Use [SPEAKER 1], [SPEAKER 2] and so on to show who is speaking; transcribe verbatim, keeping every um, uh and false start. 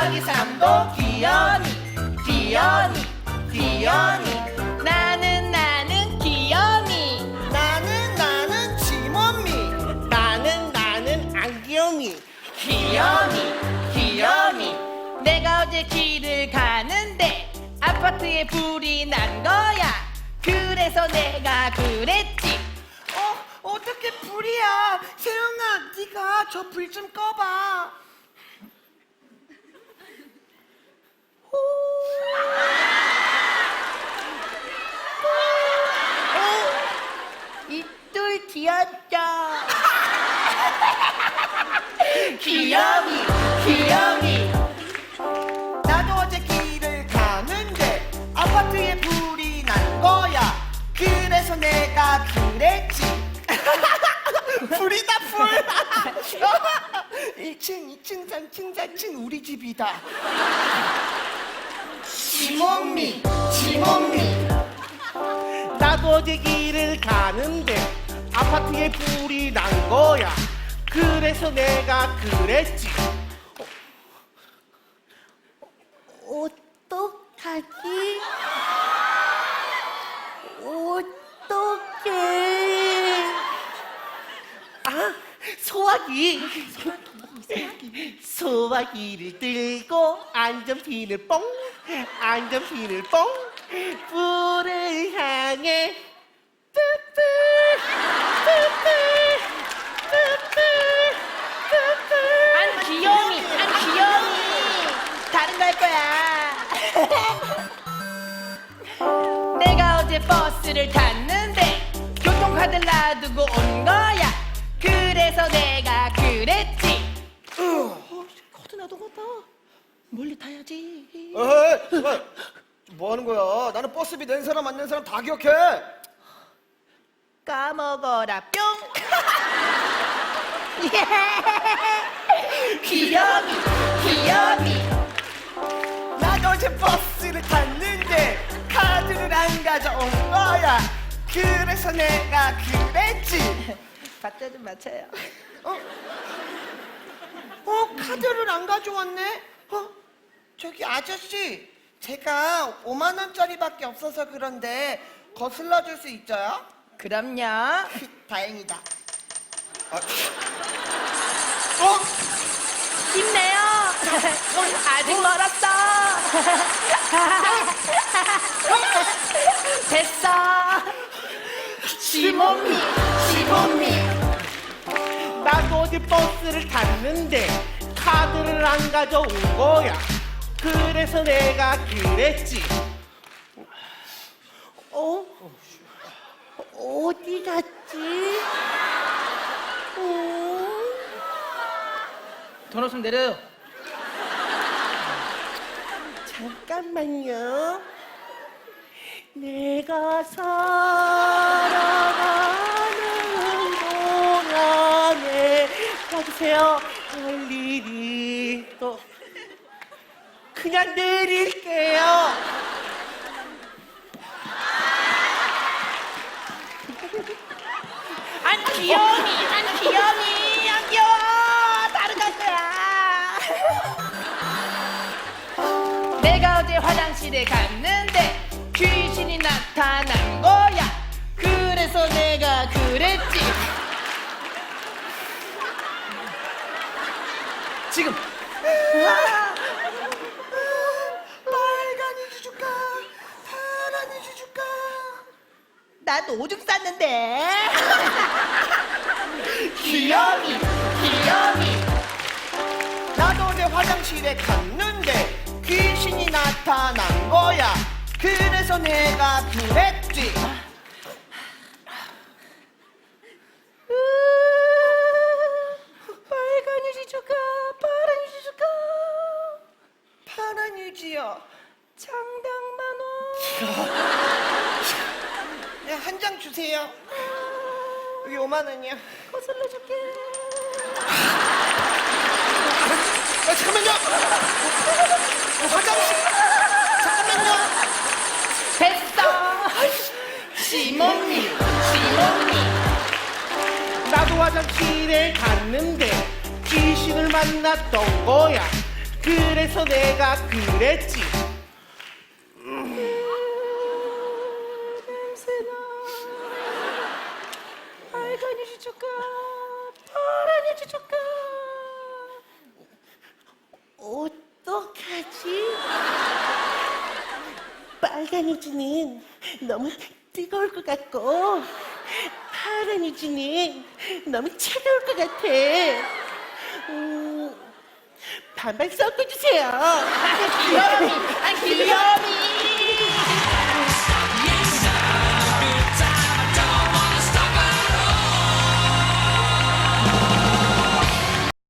[SPEAKER 1] 더하기 삼도 귀염이 귀염이 귀염이 나는 나는 귀염이
[SPEAKER 2] 나는 나는 지몬미.
[SPEAKER 3] 나는 나는 안귀염이.
[SPEAKER 1] 귀염이 귀염이 내가 어제 길을 가는데 아파트에 불이 난 거야 그래서 내가 그랬지
[SPEAKER 2] 어, 어떻게 불이야? 세영아, 네가 저 불 좀 꺼봐.
[SPEAKER 1] 이둘 귀엽죠 귀염이 귀염이
[SPEAKER 2] 나도 어제 길을 가는데 아파트에 불이 난 거야. 그래서 내가 그랬지. 불이다 불. 일 층, 이 층, 삼 층, 사 층 우리 집이다. 지몬미, 지몬미.
[SPEAKER 3] 나도 어제 길을 가는데 아파트에 불이 난 거야. 그래서 내가 그랬지.
[SPEAKER 1] 어떡하지? 어떡해?
[SPEAKER 3] 아, 소화기. 소화기를 들고 안전핀을 뽕, 안전핀을 뽕, 불을 향해 뿌뿌, 뿌뿌, 뿌뿌, 뿌뿌.
[SPEAKER 1] 안 귀염이, 안 귀염이. 다른 거 할 거야. 내가 어제 버스를 탔는데 교통카드를 놔두고 온 거야. 그래서 내가 그랬지.
[SPEAKER 3] 어, 코드 나도 갔다. 멀리 타야지.
[SPEAKER 2] 에이, 뭐 하는 거야? 나는 버스비 낸 사람 안 낸 사람 다 기억해.
[SPEAKER 1] 까먹어라 뿅. 귀염이, 귀염이.
[SPEAKER 2] 나도 어제 버스를 탔는데 카드를 안 가져온 거야. 그래서 내가 그랬지.
[SPEAKER 1] 박자 좀 맞춰요.
[SPEAKER 2] 어? 어, 카드를 안 가져왔네? 어? 저기 아저씨, 제가 오만 원짜리밖에 없어서 그런데 거슬러 줄 수 있어요?
[SPEAKER 1] 그럼요.
[SPEAKER 2] 다행이다. 아, 어?
[SPEAKER 1] 힘내요. 아직 멀었어. 됐어. 지몬미, 지몬미.
[SPEAKER 3] 나도 어제 버스를 탔는데 카드를 안 가져온 거야. 그래서 내가 그랬지.
[SPEAKER 1] 어? 어디 갔지? 어? 돈 없으면 내려요.
[SPEAKER 3] 잠깐만요. 내가 살아가는 동안에 봐주세요. 할 일이 또 그냥 내릴게요.
[SPEAKER 1] 안 귀여우니, 안 귀여우니, 안 귀여워. 다른 갈 거야. 내가 어제 화장실에 갔는데 귀신이 나타난 거야. 그래서 내가 그랬지. 지금.
[SPEAKER 2] 빨간 이주 줄까? 파란 이주 줄까?
[SPEAKER 1] 나도 오줌 쌌는데. 귀여미, 귀여미.
[SPEAKER 2] 나도 어제 화장실에 갔는데 귀신이 나타난 거야. 그래서 내가 그랬지.
[SPEAKER 1] 빨간 유지 줄까? 파란 유지 줄까?
[SPEAKER 2] 파란 유지요.
[SPEAKER 1] 장당 만 원.
[SPEAKER 2] 네, 한 장 주세요. 여기 오만 원이요.
[SPEAKER 1] 거슬러 줄게.
[SPEAKER 2] 아, 잠깐만요. 어, 화장실. 잠깐만요.
[SPEAKER 1] 됐어. 시몬니, 시몬니.
[SPEAKER 3] 나도 화장실에 갔는데 귀신을 만났던 거야. 그래서 내가 그랬지.
[SPEAKER 1] 냄새나. 빨간 이지 줄까? 파란 이지 줄까?
[SPEAKER 3] 어떡하지? 빨간 이지는 너무 뜨거울 것 같고 파란 이지는 너무 차가울 것 같아. 음, 반반 섞어주세요.
[SPEAKER 1] 귀요미, 아 귀요미.